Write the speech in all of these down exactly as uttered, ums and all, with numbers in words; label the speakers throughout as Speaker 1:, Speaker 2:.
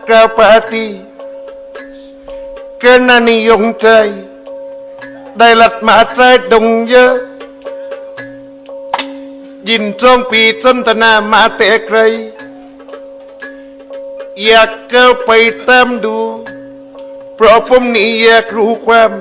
Speaker 1: กาปาตีเกินนานิยมใจได้หลัดมาใจดงเยอะยินตรงปีจนตนามาแต่ไกลอยากเก้าไปตามดูเพราะผมนี่อยากรู้ความ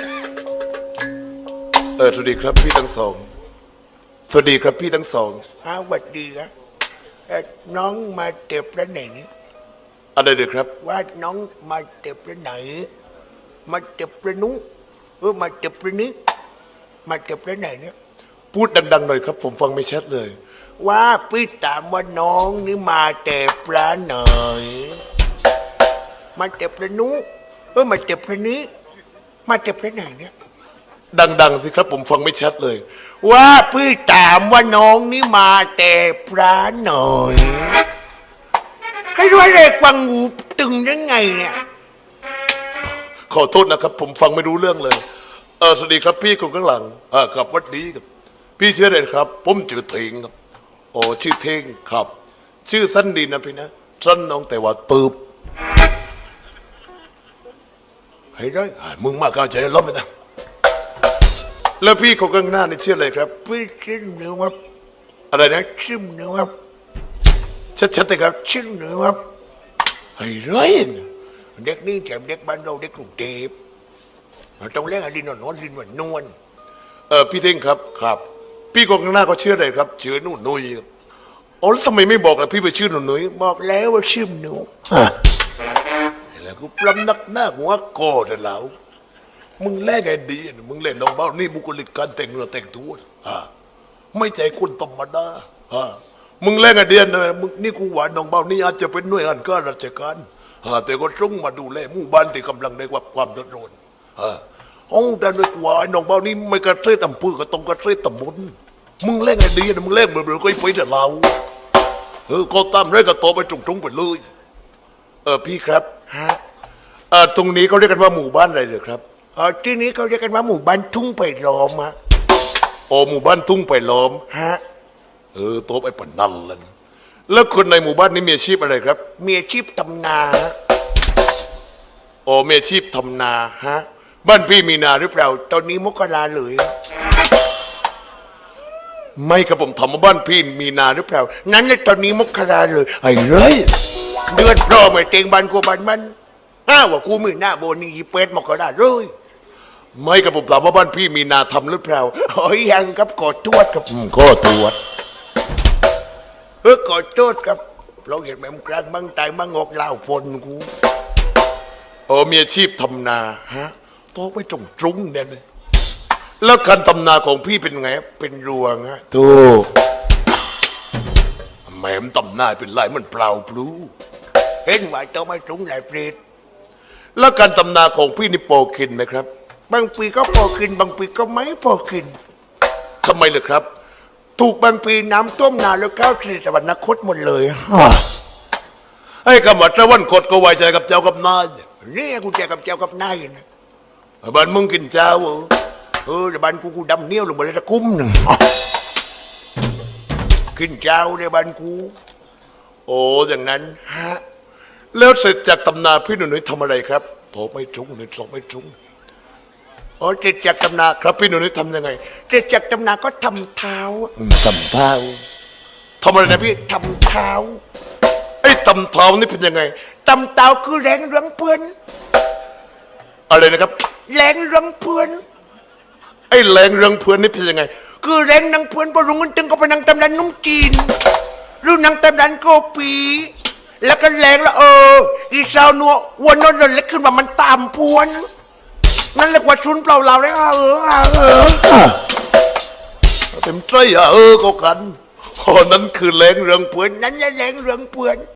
Speaker 1: เออสวัสดีครับพี่ทั้งสองสวัสดีครับพี่ทั้งสอง
Speaker 2: ฮะสวัสดีครับเอ่อน้องมาเจ็บแล้วไหนนี่
Speaker 1: อะไรเด้อครับ
Speaker 2: ว่าน้องมาเจ็บแล้วไหนมาเจ็บแล้วนู้เออมาเจ็บแล้วนี้มาเจ็บแล้วไหนเนี่ย
Speaker 1: พูดดังๆหน่อยครับผมฟังไม่ชัดเลย
Speaker 2: ว่าพี่ถามว่าน้องนี่มาเจ็บแล้วไหนมาเจ็บแล้วนู้เออมาเจ็บแล้วนี้มาเจ็บแล้วไหนเนี่ย
Speaker 1: ดังๆสิครับผมฟังไม่ชัดเลย
Speaker 2: ว่าพี่ถามว่าน้องนี่มาแต่พระหน่อยให้ด้วยเลยกวางหูตึงยังไงเนี่ย
Speaker 1: ขอโทษนะครับผมฟังไม่รู้เรื่องเลยเออสวัสดีครับพี่คนข้างหลังอ่าครับวัดดีครับพี่ชื่ออะไรครับผมชื่อเทงครับโอ้ชื่อเทงครับชื่อสั้นดีนะพี่นะสั้นน้องแต่ว่าตืบให้ได้มึงมากเข้าใจล้อมไปนะแล้วพี่คนข้างหน้านี่ชื่ออะไรครับ
Speaker 2: พี่ชื่อเนื้อครับ
Speaker 1: อะไรนะ
Speaker 2: ชื่อเนื้อครับ
Speaker 1: ชัดๆเลยครับ
Speaker 2: ชื่อเนื้อครับ
Speaker 1: ไอ้ร้อย
Speaker 2: เด็กนี่แถมเด็กบ้านเราเด็กกรุงเทพต้องเล่นอะไรนอนนอนลินวันนวล
Speaker 1: เออพี่เท่งครับครับพี่คนข้างหน้าก็ชื่ออะไรครับชื่อนุ่นนุ้ยครับโอ้แล้วทำไมไม่บอกล่ะพี่ไปชื่อนุ่นนุ้ย
Speaker 2: บอกแล้วว่าชื่อหนู
Speaker 1: แล้วกูปลำนักหน้าหัวโกรธแล้วมึงแลกไงดีมึงเล่นน้องเบ้านี่บุคลิกการแต่งเนื้อแต่งตัวฮะไม่ใจคุณธรรมดาฮะมึงแลกไงเดียนนะมึงนี่กูหวานน้องเบ้านี่อาจจะเป็นหน่วยงานข้าราชการฮะแต่ก็ส่งมาดูแลหมู่บ้านที่กำลังได้รับความเดือดร้อนฮะโอ้แต่ด้วยหวานน้องเบ้านี่ไม่กระเทยตำปื้อก็ต้องกระเทยตำบุญมึงแลกไงดีนะมึงแลกเบลอๆก็ไปแต่เราเออก็ตามเรื่องก็โตไปตรงๆไปเลยเออพี่ครับ
Speaker 2: ฮะ
Speaker 1: เออตรงนี้เขาเรียกกันว่าหมู่บ้านอะไรเหรอครับ
Speaker 2: เออที่นี้เขาเรียกกันว่าหมู่บ้านทุ่งไผ่ล้อมฮะ
Speaker 1: โอ้หมู่บ้านทุ่งไผ่ล้อม
Speaker 2: ฮะ
Speaker 1: เออโต๊ะไอ้ปนนั่นเลยแล้วคนในหมู่บ้านนี้มีอาชีพอะไรครับ
Speaker 2: มีอาชีพทำนา
Speaker 1: โอ้มีอาชีพทำนาฮะบ้านพี่มีนาหรือเปล่า
Speaker 2: ตอนนี้มกราเลย
Speaker 1: ไม่ครับผมถามว่าบ้านพี่มีนาหรือเปล่า
Speaker 2: นั้นเลยตอนนี้มกราเลย
Speaker 1: ไอ้เลย
Speaker 2: เดือนพร้อมไอ้เต็งบ้านกูบ้านมันอ้าวว่ากูมือหน้าโบนี่ยีเป็ดมกราเลย
Speaker 1: ไม่ครับผมถามว่าบ้านพี่มีนาทำหรือเปล่า
Speaker 2: โอ้ยยังครับกอดทวดครับ
Speaker 1: ก็ตรวจ
Speaker 2: เออกอดโทษครับเราเห็นแม่มกลางมังตายมังงอกเล่าพลกู
Speaker 1: โอ้มีอาชีพทำนาฮะโตไปจงจุ้งเนี่ยเลยแล้วการทำนาของพี่เป็นไง
Speaker 2: เป็นรวงฮะ
Speaker 1: ถูกแม่มทำนาเป็นไรมันเปล่าพลู
Speaker 2: เห็นว่าต้องไม่จุ้งหลายเปรต
Speaker 1: แล้วการทำนาของพี่นี่โปกินไหมครับ
Speaker 2: บางปีก็พอกินบางปีก็ไม่พอกิน
Speaker 1: ทำไมล่ะครับ
Speaker 2: ถูกบางปีน้ำท่วมนาแล้วก้าวสิริตะวันนครหมดเลย
Speaker 1: ไอ้กำมัดตะวันคดก็ไว้ใจกับเจ้ากับนาย
Speaker 2: นี่กูใจกับเจ้ากับนายนะ
Speaker 1: บ้านมึงกินเจ้าเหรอ
Speaker 2: เออแต่บ้านกูกูดำเนี้ยวลงมาเลยตะคุ้มหนึ่งกินเจ้าในบ้านกู
Speaker 1: โอ้อย่างนั้น
Speaker 2: ฮะ
Speaker 1: แล้วเสร็จจากตำนาพี่หนุ่ยทำอะไรครับโถไม่จุ้งหนึ่งโถไม่จุ้ง
Speaker 2: อ๋อเสร็จจากตำนา
Speaker 1: ครับพี่หนุ่ยทำยังไง
Speaker 2: เสร็จจากตำนาก็ทำเท้า
Speaker 1: ทำเท้าทำอะไรนะพี่
Speaker 2: ทำเท้า
Speaker 1: ไอ้ตำเท้านี่เป็นยังไง
Speaker 2: ตำเท้าคือแรงเรื่องเพื่อน
Speaker 1: อะไรนะครับ
Speaker 2: แรงเรื่องเพื่อน
Speaker 1: ไอ้แรงเรื่องเพื่อนนี่เป็นยังไง
Speaker 2: คือแรงนังเพื่อนพอรุ่งขึ้นตึงก็ไปนั่งตำนานนุ่มจีนหรือนั่งตำนานโกปีแล้วก็แรงแล้วเอออีสาวนัววันนั้นเล็กขึ้นมามันตามพวนนั่นเรียกว่าชุนเปล่าเราเลยเออเออ
Speaker 1: เต็มใจอ่ะเออก็กันคนนั้นคือแรงเรื่องเพื่อน
Speaker 2: นั่นแหละแรงเรื่องเพื่อน